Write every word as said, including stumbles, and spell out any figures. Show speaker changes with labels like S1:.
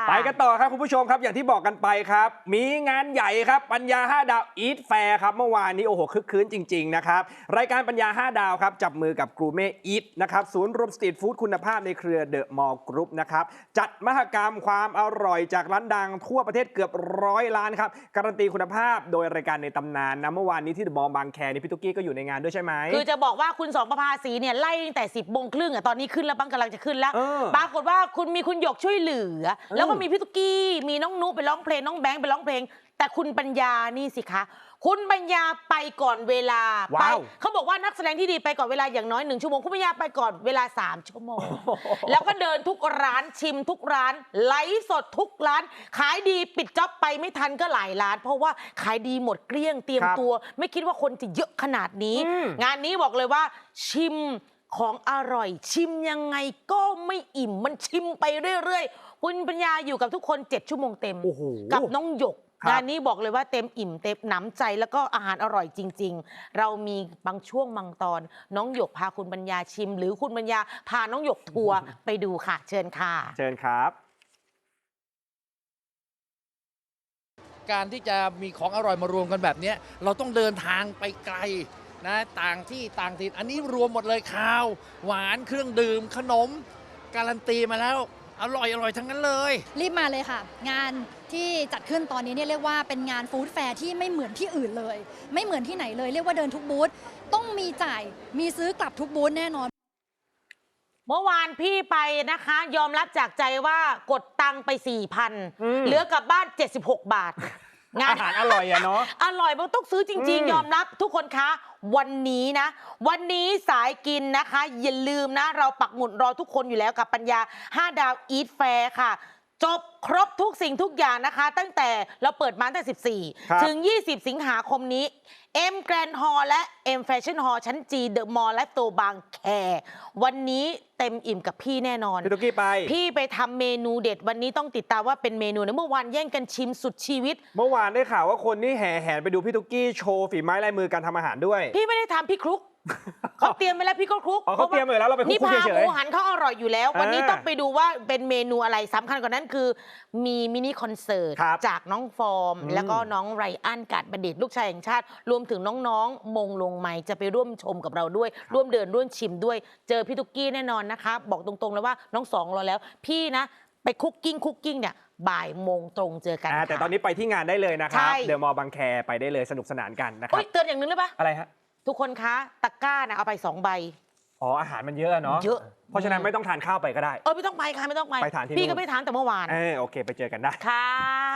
S1: ไปกันต่อครับคุณผู้ชมครับอย่างที่บอกกันไปครับมีงานใหญ่ครับปัญญาห้าดาวอีทแฟร์ครับเมื่อวานนี้โอ้โหคึกคืนจริงๆนะครับรายการปัญญาห้าดาวครับจับมือกับกรูเม่อีทนะครับศูนย์รวมสตรีทฟู้ดคุณภาพในเครือเดอะมอลล์กรุ๊ปนะครับจัดมหกรรมความอร่อยจากร้านดังทั่วประเทศเกือบร้อยร้านครับการันตีคุณภาพโดยรายการในตำนานนะเมื่อวานนี้ที่เดอะมอลล์บางแคนี่พี่ตุ๊กกี้ก็อยู่ในงานด้วยใช่ไหม
S2: คือจะบอกว่าคุณสองประภาสีเนี่ยไล่ตั้งแต่สิบโมงครึ่งอ่ะตอนนี้ขึ้นแล้วบ้างกำลังจะขึ้นแล้วปรากฏว่าคุณมีคุณหยกช่วยเหลือแล้วก็มีพี่ตุ๊กกี้มีน้องนุไปร้องเพลงน้องแบงค์ไปร้องเพลงแต่คุณปัญญานี่สิคะคุณปัญญาไปก่อนเวลาไปเขาบอกว่านักแสดงที่ดีไปก่อนเวลาอย่างน้อยหนึ่งชั่วโมงคุณปัญญาไปก่อนเวลาสามชั่วโมงแล้วก็เดินทุกร้านชิมทุกร้านไลฟ์สดทุกร้านขายดีปิดจ็อบไปไม่ทันก็หลายร้านเพราะว่าขายดีหมดเกลี้ยงเตรียมตัวไม่คิดว่าคนจะเยอะขนาดนี้งานนี้บอกเลยว่าชิมของอร่อยชิมยังไงก็ไม่อิ่มมันชิมไปเรื่อยๆคุณปัญญาอยู่กับทุกคนเจ็ดชั่วโมงเต็มกับน้องหยกงานนี้บอกเลยว่าเต็มอิ่มเต็มหนำใจแล้วก็อาหารอร่อยจริงๆเรามีบางช่วงบางตอนน้องหยกพาคุณปัญญาชิมหรือคุณปัญญาพาน้องหยกทัวร์ไปดูค่ะเชิญค่ะ
S1: เชิญครับ
S3: การที่จะมีของอร่อยมารวมกันแบบนี้เราต้องเดินทางไปไกลนะต่างที่ต่างถิ่นอันนี้รวมหมดเลยข้าวหวานเครื่องดื่มขนมการันตีมาแล้วอร่อยอร่อยทั้งนั้นเลย
S4: รีบมาเลยค่ะงานที่จัดขึ้นตอนนี้เนี่ยเรียกว่าเป็นงานฟู้ดแฟร์ที่ไม่เหมือนที่อื่นเลยไม่เหมือนที่ไหนเลยเรียกว่าเดินทุกบูธต้องมีจ่ายมีซื้อกลับทุกบูธแน่นอน
S2: เมื่อวานพี่ไปนะคะยอมรับจากใจว่ากดตังไป สี่พัน เหลือกลับบ้านเจ็ดสิบหกบาท
S1: งานอาหารอร่อยอะเนาะ
S2: อร่อยมันต้องซื้อจริงๆยอมรับทุกคนคะวันนี้นะวันนี้สายกินนะคะอย่าลืมนะเราปักหมุดรอทุกคนอยู่แล้วกับปัญญาห้าดาวอีทแฟร์ค่ะจบครบทุกสิ่งทุกอย่างนะคะตั้งแต่เราเปิดมาตั้งแต่สิบสี่ถึงยี่สิบสิงหาคมนี้ M Grand Hall และ M Fashion Hall ชั้น G The Mall และโตบางแควันนี้เต็มอิ่มกับพี่แน่นอน
S1: พี่ตุ๊กกี้ไป
S2: พี่ไปทำเมนูเด็ดวันนี้ต้องติดตามว่าเป็นเมนูนะเมื่อวานแย่งกันชิมสุดชีวิต
S1: เมื่อวานได้ข่าวว่าคนนี่แห่แหนไปดูพี่ตุ๊กกี้โชว์ฝีไม้ลายมือการทำอาหารด้วย
S2: พี่ไม่ได้ทำพี่คลุกเขาเตรียมไปแล้วพี่ก็คลุก
S1: เขาเตรียมไปแล้วเราไปคลุกเฉยๆ
S2: นี่พาหมูหันเขาอร่อยอยู่แล้ววันนี้ต้องไปดูว่าเป็นเมนูอะไรสำคัญกว่านั้นคือมีมินิคอนเสิร์ตจากน้องฟอร์มแล้วก็น้องไรอันกาดบัณฑิตลูกชายแห่งชาติรวมถึงน้องๆมงลงไมจะไปร่วมชมกับเราด้วยร่วมเดินร่วมชิมด้วยเจอพี่ตุ๊กกี้แน่นอนนะคะบอกตรงๆเลยว่าน้องสองรอแล้วพี่นะไปคุกกิ้งคุกกิ้งเนี่ยบ่ายโมงตรงเจอกัน
S1: แต่ตอนนี้ไปที่งานได้เลยนะครับเดอะมอลล์บางแคไปได้เลยสนุกสนานกันนะครับ
S2: เตือนอย่างนึงเลยปะ
S1: อะไรฮะ
S2: ทุกคนคะตะกร้านะเอาไปสองใบ
S1: อ๋ออาหารมันเยอะเนาะ
S2: เยอะ
S1: เพราะฉะนั้นไม่ต้องทานข้าวไปก็ได้
S2: เออไม่ต้องไปค่ะไม่ต้องไป
S1: ไปทานที่
S2: พี่ก็ไม่ทานแต่เมื่อวาน
S1: เออโอเคไปเจอกันได้
S2: ค่ะ